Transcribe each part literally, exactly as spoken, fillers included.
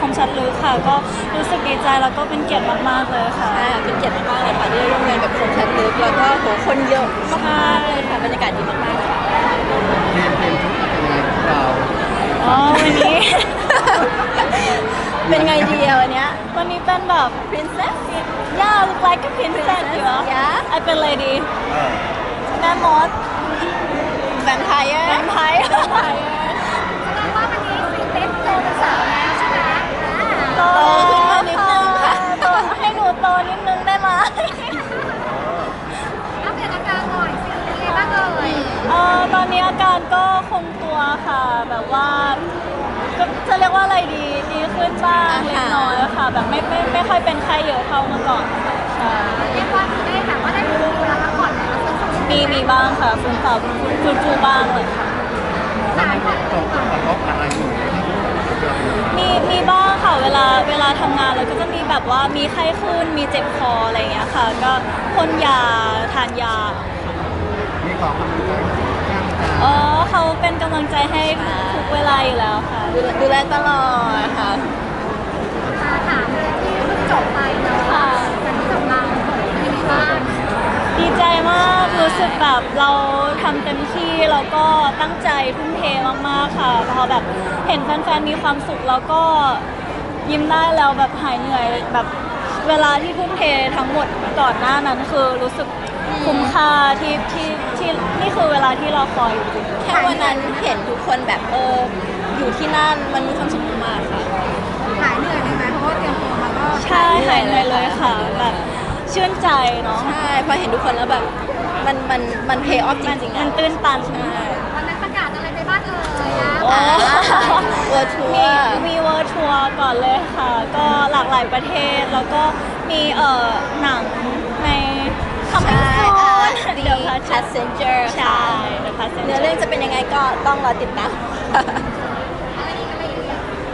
มชัดลึกค่ะก็รู้สึกดีใจแล้วก็เป็นเกียรติมากๆเลยค่ะใช่เป็นเกียรติมากๆเลยค่ะที่ได้ร่วมงานกับคมชัดลึกแล้วก็โหคนเยอะมากๆเลยค่ะบรรยากาศดีมากๆค่ะเพลงเพลงชุดเป็นยังไงของเราอ๋อวันนี้เป็นไงดีอะวันเนี้ยวันนี้เป็นแบบ princess yeah look like a princess อยู่อะ yeah ไอเป็น lady เออแม่มด vampire แวมไพร์แสดงว่าวันนี้ซีเต็มโตเป็นสาวแล้วใช่ไหมโตอ่าขึ้นมานิดนึงค่ะโตให้หนูโตนิดนึงได้ไหมอัปเดตอาการหน่อยสิเป็นไงบ้างเอ่ยเอ่อตอนนี้อาการก็คงตัวค่ะ แบบว่าก็จะเรียกว่าอะไรดีดีขึ้นบ้างเล็กน้อยค่ะแบบไม่ไม่ไม่ค่อยเป็นไข้เยอะเท่าเมื่อก่อนค่ะใช่เรียกว่ามีได้แบบว่าได้ดูเวลาพักผ่อนแล้วซึ่งมีมีบ้างค่ะฟื้นตัวฟื้นฟูบ้างเลยค่ะแล้วมันมีส่งผลกระทบอะไรอยู่ในที่เรามีมีบ้างค่ะเวลาเวลาทำงานเราก็จะมีแบบว่ามีไข้ขึ้นมีเจ็บคออะไรอย่างเงี้ยค่ะ ก็พ่นยาทานยามีของกำลังใจข้างกายอ๋อเขาเป็นกำลังใจให้ทุกเวลาอยู่แล้วค่ะดูแลดูแลตลอดค่ะมาถามเลยที่เพิ่งจบไปเนาะค่ะการที่จบมาเป็นไงบ้างดีใจมากรู้สึกแบบเราทำเต็มที่แล้วก็ตั้งใจทุ่มเทมากๆค่ะพอแบบเห็นแฟนๆมีความสุขแล้วก็ยิ้มได้แล้วแบบหายเหนื่อยแบบเวลาที่ทุ่มเททั้งหมดก่อนหน้านั้นคือรู้สึกคุ้มค่าที่ที่ที่นี่คือเวลาที่เราคอยอยู่จริงแค่วันนั้นเห็นทุกคนแบบเอออยู่ที่นั่นมันมีความสุขมากๆค่ะหายเหนื่อยเลยไหมเพราะว่าเตรียมตัวมาก็ใช่หายเหนื่อยเลยค่ะแบบชื่นใจเนาะใช่พอเห็นทุกคนแล้วแบบมันมันมันเพย์ออฟจมันริงๆมัอะนตื้นตันใช่วันนั้นประกาศอะไรไปบ้างเอ่ยนะโอ้เวอร์ทัวมีร์มีเวิร์ทัวร์ก่อนเลยค่ะ ก็หลากหลายประเทศ แล้วก็มีเอ่อหนังในคำใช่ให้อ่าโซน The เดี๋ยวค่ะ Passenger ใช่ The เนื้อ Passenger เรื่องจะเป็นยังไงก็ต้องรอติดตามอะไรอีกอะไรอีก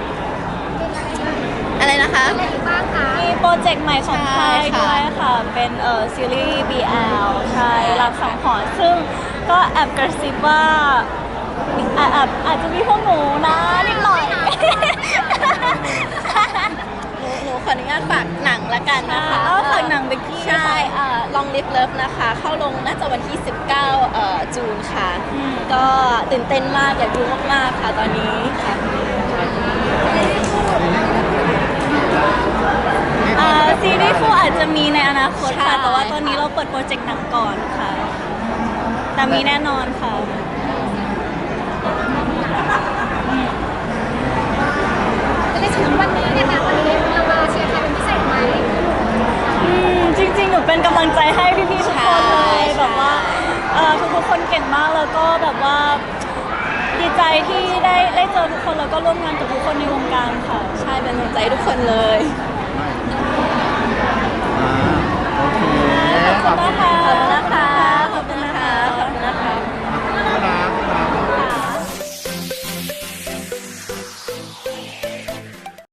อะไรนะคะอะไรอีกบ้างคะมีโปรเจกต์ใหม่ของใช่ค่ายค่ะด้วยค่ะ เป็นเอ่อซีรีส์ บี แอล ใช่รักสังหรณ์ซึ่งก็แอบกระซิบว่าอาอาจอาจจะมีพวกหนูนะนิดหน่อยหนูหนูขออนุญาตฝากหนังละกันนะคะอ่าฝากหนังเบกกี้ใช่เอ่อ Long Live Love นะคะ เข้าลงน่าจะวันที่ สิบเก้าเอ่อจูนค่ะอืมก็ตื่นเต้นมากอยากดูมากๆค่ะตอนนี้ค่ะอ่าซีรีส์คู่อาจจะมีในอนาคตค่ะใช่แต่ว่าตอนนี้เราเปิดโปรเจกต์หนังก่อนค่ะ แต่มีแน่นอนค่ะจะได้ถึงวันนี้เนี่ยค่ะวันนี้เรามาเชียร์ใครเป็นพิเศษไหมอืมจริงๆ หนูเป็นกำลังใจให้พี่ๆทุกคนเลยใช่แบบว่าเอ่อทุกๆคนเก่งมากแล้วก็แบบว่าดีใจที่ได้ได้เจอทุกคนแล้วก็ร่วมงานกับทุกคนในวงการค่ะใช่เป็นกำลังใจให้ทุกคนเลย